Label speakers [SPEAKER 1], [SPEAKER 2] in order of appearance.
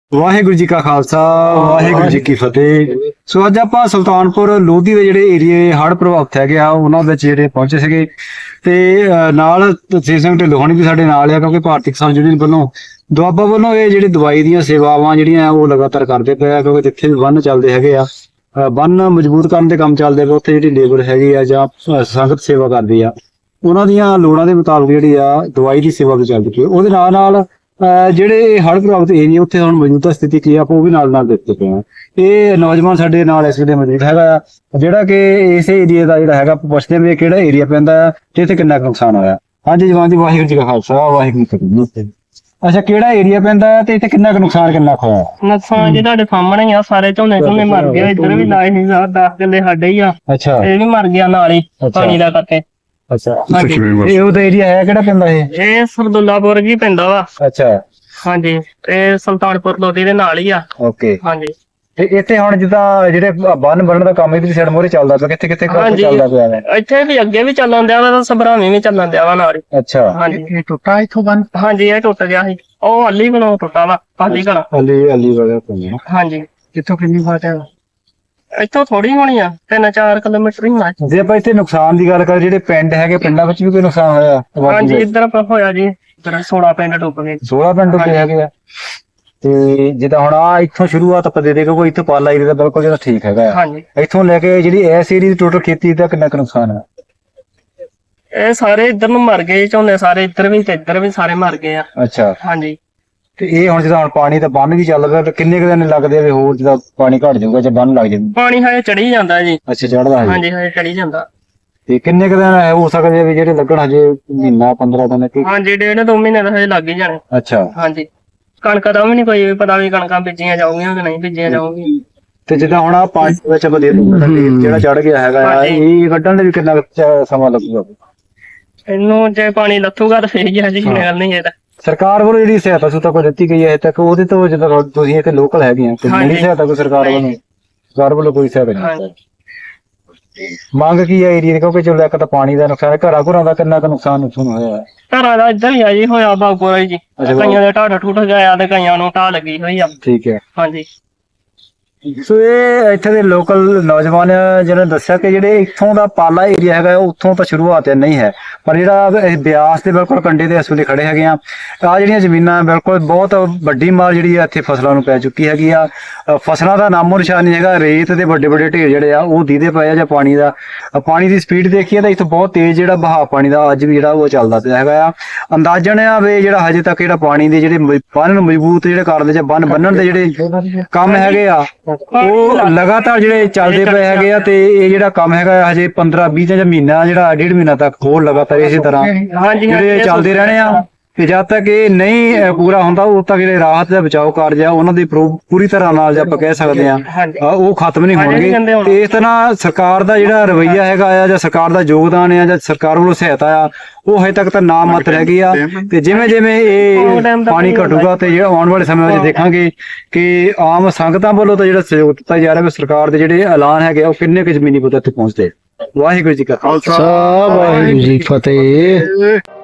[SPEAKER 1] ਵਾਹਿਗੁਰੂ ਜੀ ਕਾ ਖਾਲਸਾ ਵਾਹਿਗੁਰੂ ਜੀ ਕੀ ਫਤਿਹ। ਸੋ ਅੱਜ ਆਪਾਂ ਸੁਲਤਾਨਪੁਰ ਲੋਧੀ ਦੇ ਜਿਹੜੇ ਏਰੀਏ ਹੜ੍ਹ ਪ੍ਰਭਾਵਿਤ ਹੈਗੇ ਆ ਉਹਨਾਂ ਵਿੱਚ ਜਿਹੜੇ ਪਹੁੰਚੇ ਸੀਗੇ ਤੇ ਨਾਲ ਤਸੀਰ ਸਿੰਘ ਢਿੱਲੋਂ ਹੋਣੀ ਵੀ ਸਾਡੇ ਨਾਲ ਆ, ਕਿਉਂਕਿ ਭਾਰਤੀ ਕਿਸਾਨ ਯੂਨੀਅਨ ਵੱਲੋਂ ਦੁਆਬਾ ਵੱਲੋਂ ਇਹ ਜਿਹੜੀ ਦਵਾਈ ਦੀਆਂ ਸੇਵਾਵਾਂ ਜਿਹੜੀਆਂ ਉਹ ਲਗਾਤਾਰ ਕਰਦੇ ਪਏ ਆ, ਕਿਉਂਕਿ ਜਿੱਥੇ ਵੀ ਬੰਨ ਚੱਲਦੇ ਹੈਗੇ ਆ, ਬੰਨ ਮਜ਼ਬੂਤ ਕਰਨ ਦੇ ਕੰਮ ਚੱਲਦੇ ਪਏ, ਉੱਥੇ ਜਿਹੜੀ ਲੇਬਰ ਹੈਗੀ ਆ ਜਾਂ ਸੰਗਤ ਸੇਵਾ ਕਰਦੀ ਆ, ਉਹਨਾਂ ਦੀਆਂ ਲੋੜਾਂ ਦੇ ਮੁਤਾਬਕ ਜਿਹੜੀ ਆ ਦਵਾਈ ਦੀ ਸੇਵਾ ਵੀ ਚੱਲਦੀ ਪਈ। ਉਹਦੇ ਨਾਲ ਜਿਹੜੇ ਹੜ੍ਹ ਪ੍ਰਭਾਵਿਤ ਏਰੀਆ ਉੱਥੇ ਹੁਣ ਮੌਜੂਦਾ ਸਥਿਤੀ ਕੀ ਆ ਆਪਾਂ ਉਹ ਵੀ ਨਾਲ ਦੇਖਦੇ ਪਏ ਆ। ਇਹ ਨੌਜਵਾਨ ਸਾਡੇ ਨਾਲ ਇਸ ਵੇਲੇ ਮੌਜੂਦ ਹੈਗਾ ਆ, ਜਿਹੜਾ ਕਿ ਇਸ ਏਰੀਆ ਦਾ ਜਿਹੜਾ ਹੈਗਾ ਪੁੱਛਦੇ ਵੀ ਕਿਹੜਾ ਏਰੀਆ ਪੈਂਦਾ ਤੇ ਇੱਥੇ ਕਿੰਨਾ ਨੁਕਸਾਨ ਹੋਇਆ। ਹਾਂਜੀ ਜਵਾਨ ਜੀ, ਵਾਹਿਗੁਰੂ ਜੀ ਕਾ ਖਾਲਸਾ ਵਾਹਿਗੁਰੂ ਜੀ ਕੀ ਫਤਿਹ। ਅੱਛਾ, ਕਿਹੜਾ ਏਰੀਆ ਪੈਂਦਾ ਤੇ ਇੱਥੇ ਕਿੰਨਾ ਨੁਕਸਾਨ ਹੋਇਆ?
[SPEAKER 2] ਨੁਕਸਾਨ ਜੀ ਤੁਹਾਡੇ ਸਾਹਮਣੇ ਹੀ ਆ, ਸਾਰੇ ਝੋਨੇ ਮਰ ਗਏ। ਇੱਧਰ ਵੀ ਲਾਏ ਨਹੀਂ 10 ਕਿੱਲੇ ਸਾਡੇ ਹੀ ਆ।
[SPEAKER 1] ਅੱਛਾ,
[SPEAKER 2] ਇਹ ਵੀ ਮਰ ਗਿਆ ਨਾਲ ਹੀ ਪਾਣੀ ਦਾ ਕਰਕੇ।
[SPEAKER 1] ਅੱਛਾ, ਇਹ ਉਹਦਾ ਏਰੀਆ ਹੈ ਕਿਹੜਾ ਪੈਂਦਾ
[SPEAKER 2] ਇਹ ਸਰਦੁੱਲਾਪੁਰ ਜੀ ਪੈਂਦਾ ਵਾ।
[SPEAKER 1] ਅੱਛਾ
[SPEAKER 2] ਹਾਂਜੀ, ਤੇ ਸੁਲਤਾਨਪੁਰ ਲੋਧੀ ਦੇ ਨਾਲ ਹੀ ਆ।
[SPEAKER 1] ਓਕੇ,
[SPEAKER 2] ਹਾਂਜੀ।
[SPEAKER 1] ਤੇ ਇੱਥੇ ਹੁਣ ਜਿੱਦਾਂ ਜਿਹੜੇ ਬੰਨ ਬਣਨ ਦਾ ਕੰਮ ਇਹਦੀ ਸਾਈਡ ਮੋਰੇ ਚੱਲਦਾ ਪਿਆ, ਕਿੱਥੇ ਕਿੱਥੇ ਚੱਲਦਾ ਪਿਆ ਹੈ?
[SPEAKER 2] ਇੱਥੇ ਵੀ ਅੱਗੇ ਵੀ ਚੱਲਣ ਦਿਆ ਵਾ, ਸਭਰਾਵੀਂ ਵੀ ਚੱਲਣ ਦਿਆ ਵਾ ਨਾਲ ਹੀ।
[SPEAKER 1] ਅੱਛਾ,
[SPEAKER 2] ਹਾਂਜੀ।
[SPEAKER 1] ਇਹ ਟੁੱਟਾ ਇੱਥੋਂ ਬੰਨ?
[SPEAKER 2] ਹਾਂਜੀ, ਇਹ ਟੁੱਟ ਗਿਆ ਸੀ। ਉਹ ਅਲੀ ਕੋਲੋਂ ਟੁੱਟਾ ਵਾ, ਅਲੀ ਕੋਲੋਂ।
[SPEAKER 1] ਅਲੀ ਵਗੈਰਾ ਤੋਂ।
[SPEAKER 2] ਹਾਂਜੀ।
[SPEAKER 1] ਕਿੱਥੋਂ ਕਿੰਨੀ ਬਾਤ ਹੈ?
[SPEAKER 2] ਇੱਥੋਂ ਥੋੜੀ ਹੋਣੀ ਆ, 3-4 ਕਿਲੋਮੀਟਰ ਹੀ ਹੋਣਾ।
[SPEAKER 1] ਜੇ ਆਪਾਂ ਇੱਥੇ ਨੁਕਸਾਨ ਦੀ ਗੱਲ ਕਰੀਏ, ਜਿਹੜੇ ਪਿੰਡ ਹੈਗੇ, ਪਿੰਡਾਂ ਵਿੱਚ ਵੀ ਕੋਈ ਨੁਕਸਾਨ ਹੋਇਆ?
[SPEAKER 2] ਹਾਂਜੀ, ਇੱਧਰ ਹੋਇਆ ਜੀ, 16 ਪਿੰਡ ਡੁੱਬ ਗਏ।
[SPEAKER 1] 16 ਪਿੰਡ ਡੁੱਬੇ ਹੈਗੇ ਆ। ਤੇ ਜਿੱਦਾਂ ਹੁਣ ਆ ਇੱਥੋਂ ਸ਼ੁਰੂਆਤ ਆਪਾਂ ਦੇ ਦੇ, ਕਿਉਂਕਿ ਇੱਥੇ ਪਾਲਾ ਏਰੀਆ ਦਾ ਬਿਲਕੁਲ ਜਿਹੜਾ ਠੀਕ ਹੈਗਾ।
[SPEAKER 2] ਹਾਂਜੀ।
[SPEAKER 1] ਇੱਥੋਂ ਲੈ ਕੇ ਜਿਹੜੀ ਇਸ ਏਰੀਆ ਦੀ ਟੋਟਲ ਖੇਤੀ ਦਾ ਕਿੰਨਾ ਕੁ ਨੁਕਸਾਨ ਹੈ?
[SPEAKER 2] ਇਹ ਸਾਰੇ ਇੱਧਰ ਨੂੰ ਮਰ ਗਏ ਝੋਨੇ, ਸਾਰੇ ਇੱਧਰ ਵੀ ਤੇ ਇੱਧਰ ਵੀ ਸਾਰੇ ਮਰ ਗਏ ਆ।
[SPEAKER 1] ਅੱਛਾ,
[SPEAKER 2] ਹਾਂਜੀ।
[SPEAKER 1] ਤੇ ਇਹ ਹੁਣ ਜਿੱਦਾਂ ਹੁਣ ਪਾਣੀ ਤਾਂ ਬੰਨ ਵੀ ਚੱਲ ਪਿਆ, ਤੇ ਕਿੰਨੇ ਕੁ ਦਿਨ ਲੱਗਦੇ ਆ ਵੀ ਹੋਰ ਜਿੱਦਾਂ ਪਾਣੀ ਘਟ ਜਾਊਗਾ ਜਾਂ ਬੰਨ ਲੱਗ ਜਾਊਗਾ?
[SPEAKER 2] ਪਾਣੀ ਹਜੇ ਚੜੀ ਜਾਂਦਾ ਜੀ।
[SPEAKER 1] ਅੱਛਾ, ਚੜਦਾ ਹੈ।
[SPEAKER 2] ਹਾਂਜੀ, ਹਜੇ ਚੜੀ ਜਾਂਦਾ।
[SPEAKER 1] ਤੇ ਕਿੰਨੇ ਕੁ ਦਿਨ ਹੋ ਸਕਦੇ ਆ ਵੀ ਜਿਹੜੇ ਲੱਗਣ ਹਜੇ ਮਹੀਨਾ 15 ਦਿਨ?
[SPEAKER 2] ਹਾਂਜੀ, 1.5-2 ਮਹੀਨੇ ਤਾਂ ਹਜੇ ਲੱਗ ਹੀ ਜਾਣੇ।
[SPEAKER 1] ਅੱਛਾ।
[SPEAKER 2] ਹਾਂਜੀ। ਕਣਕਾਂ ਦਾ ਵੀ ਨਹੀਂ ਕੋਈ ਪਤਾ ਵੀ ਕਣਕਾਂ ਬੀਜੀਆਂ ਜਾਊਗੀਆਂ ਕਿ ਨਹੀਂ ਬੀਜੀਆਂ ਜਾਊਗੀਆਂ।
[SPEAKER 1] ਤੇ ਜਿੱਦਾਂ ਹੁਣ ਆ ਪਾਣੀ ਵਿੱਚ ਆਪਾਂ ਦੇ ਜਿਹੜਾ ਚੜ ਗਿਆ ਹੈਗਾ ਆ, ਇਹ ਕੱਢਣ ਦੇ ਵੀ ਕਿੰਨਾ ਸਮਾਂ ਲੱਗੂਗਾ?
[SPEAKER 2] ਇਹਨੂੰ ਜੇ ਪਾਣੀ ਲੱਥੂਗਾ ਤਾਂ ਫੇਰ ਹੀ ਆ ਜੀ, ਗੱਲ ਨਹੀਂ ਇਹਦਾ।
[SPEAKER 1] ਸਰਕਾਰ ਵੱਲੋਂ ਜਿਹੜੀ ਸਹਾਇਤਾ ਸੁਤਾ ਕੋਈ ਦਿੱਤੀ ਗਈ ਹੈ ਹਜੇ ਤੱਕ, ਉਹਦੇ ਤੋਂ ਜਿੱਦਾਂ ਤੁਸੀਂ ਇੱਥੇ ਲੋਕਲ ਹੈਗੇ ਆ, ਤੇ ਨਹੀਂ ਸਹਾਇਤਾ ਕੋਈ ਸਰਕਾਰ ਵੱਲੋਂ ਕੋਈ ਸਹਾਇਤਾ ਨਹੀਂ? ਮੰਗ ਕੀ ਹੈ ਏਰੀਆ ਦੀ? ਕਿਉਂਕਿ ਚਲੋ ਇੱਕ ਤਾਂ ਪਾਣੀ ਦਾ ਨੁਕਸਾਨ, ਘਰਾਂ ਦਾ ਕਿੰਨਾ ਕੁ ਨੁਕਸਾਨ ਹੋਇਆ?
[SPEAKER 2] ਘਰਾਂ ਦਾ ਇੱਧਰ ਹੀ ਆ ਜੀ, ਹੋਇਆ ਬਾਗਪੁਰਾ ਜੀ। ਕਈਆਂ ਦੇ ਢਾਹ ਟੁੱਟ ਗਿਆ ਤੇ ਕਈਆਂ ਨੂੰ ਢਾਹ ਲੱਗੀ ਹੋਈ ਆ। ਠੀਕ ਹੈ। ਹਾਂਜੀ।
[SPEAKER 1] ਸੋ ਇਹ ਇੱਥੇ ਦੇ ਲੋਕਲ ਨੌਜਵਾਨ ਜਿਹਨੇ ਦੱਸਿਆ ਕਿ ਜਿਹੜੇ ਇੱਥੋਂ ਦਾ ਪਾਲਾ ਏਰੀਆ ਹੈਗਾ ਉੱਥੋਂ ਤਾਂ ਸ਼ੁਰੂਆਤ ਨਹੀਂ ਹੈ, ਪਰ ਜਿਹੜਾ ਬਿਆਸ ਦੇ ਬਿਲਕੁਲ ਕੰਢੇ ਤੇ ਇਸ ਵੇਲੇ ਖੜੇ ਹੈਗੇ ਆ ਜਿਹੜੀਆਂ ਜ਼ਮੀਨਾਂ ਬਿਲਕੁਲ ਬਹੁਤ ਵੱਡੀ ਮਾਰ ਜਿਹੜੀ ਆ ਇੱਥੇ ਫਸਲਾਂ ਨੂੰ ਪੈ ਚੁੱਕੀ ਹੈਗੀ ਆ। ਫਸਲਾਂ ਦਾ ਨਾਮੋ ਨਿਸ਼ਾਨ ਨਹੀਂ ਹੈਗਾ। ਰੇਤ ਦੇ ਵੱਡੇ ਵੱਡੇ ਢੇਰ ਜਿਹੜੇ ਆ ਉਹ ਦੀਦੇ ਪਏ ਆ। ਜਾਂ ਪਾਣੀ ਦੀ ਸਪੀਡ ਦੇਖੀਏ ਤਾਂ ਇੱਥੋਂ ਬਹੁਤ ਤੇਜ਼ ਜਿਹੜਾ ਬਹਾਅ ਪਾਣੀ ਦਾ ਅੱਜ ਵੀ ਜਿਹੜਾ ਉਹ ਚੱਲਦਾ ਪਿਆ ਹੈਗਾ ਆ। ਅੰਦਾਜ਼ਨ ਆ ਵੀ ਜਿਹੜਾ ਹਜੇ ਤੱਕ ਜਿਹੜਾ ਪਾਣੀ ਦੇ ਜਿਹੜੇ ਬੰਨ ਨੂੰ ਮਜ਼ਬੂਤ ਜਿਹੜੇ ਕਰਦੇ ਜਾਂ ਬੰਨ ਬੰਨਣ ਦੇ ਜਿਹੜੇ ਕੰਮ ਹੈਗੇ ਆ ਉਹ ਲਗਾਤਾਰ ਜਿਹੜੇ ਚੱਲਦੇ ਪਏ ਹੈਗੇ ਆ। ਤੇ ਇਹ ਜਿਹੜਾ ਕੰਮ ਹੈਗਾ ਹਜੇ 15-20 ਜਾਂ ਮਹੀਨਾ, ਜਿਹੜਾ 1.5 ਮਹੀਨਾ ਤੱਕ ਹੋਰ ਲਗਾਤਾਰ ਇਸੇ ਤਰ੍ਹਾਂ ਜਿਹੜੇ ਚੱਲਦੇ ਰਹਿਣੇ ਆ। ਤੇ ਜਦ ਤੱਕ ਇਹ ਨਹੀਂ ਪੂਰਾ ਹੁੰਦਾ ਉਦੋਂ ਤੱਕ ਜਿਹੜੇ ਰਾਹਤ ਦਾ ਬਚਾਓ ਕਾਰਜ ਆ ਉਹਨਾਂ ਦੀ ਪੂਰੀ ਤਰ੍ਹਾਂ ਨਾਲ ਜੇ ਆਪਾਂ ਕਹਿ ਸਕਦੇ ਆ ਉਹ ਖਤਮ ਨਹੀਂ ਹੋਣਗੇ। ਤੇ ਇਸ ਤਰ੍ਹਾਂ ਸਰਕਾਰ ਦਾ ਜਿਹੜਾ ਰਵੱਈਆ ਹੈਗਾ ਆ ਜਾਂ ਸਰਕਾਰ ਦਾ ਯੋਗਦਾਨ ਆ ਜਾਂ ਸਰਕਾਰ ਵੱਲੋਂ ਸਹਾਇਤਾ ਆ ਉਹ ਹਜੇ ਤੱਕ ਤਾਂ ਨਾ ਮਾਤਰ ਹੈਗੀ ਆ। ਤੇ ਜਿਵੇਂ ਜਿਵੇਂ ਇਹ ਪਾਣੀ ਘਟੂਗਾ ਤੇ ਜਿਹੜਾ ਆਉਣ ਵਾਲੇ ਸਮੇਂ ਵਿੱਚ ਦੇਖਾਂਗੇ ਕਿ ਆਮ ਸੰਗਤਾਂ ਵੱਲੋਂ ਤਾਂ ਜਿਹੜਾ ਸਹਿਯੋਗ ਦਿੱਤਾ ਜਾ ਰਿਹਾ, ਸਰਕਾਰ ਦੇ ਜਿਹੜੇ ਐਲਾਨ ਹੈਗੇ ਉਹ ਕਿੰਨੇ ਕੁ ਜ਼ਮੀਨੀ ਪੱਧਰ ਤੇ ਪਹੁੰਚਦੇ। ਵਾਹਿਗੁਰੂ ਜੀ ਕਾ ਖਾਲਸਾ ਵਾਹਿਗੁਰੂ ਜੀ ਕੀ ਫਤਿਹ।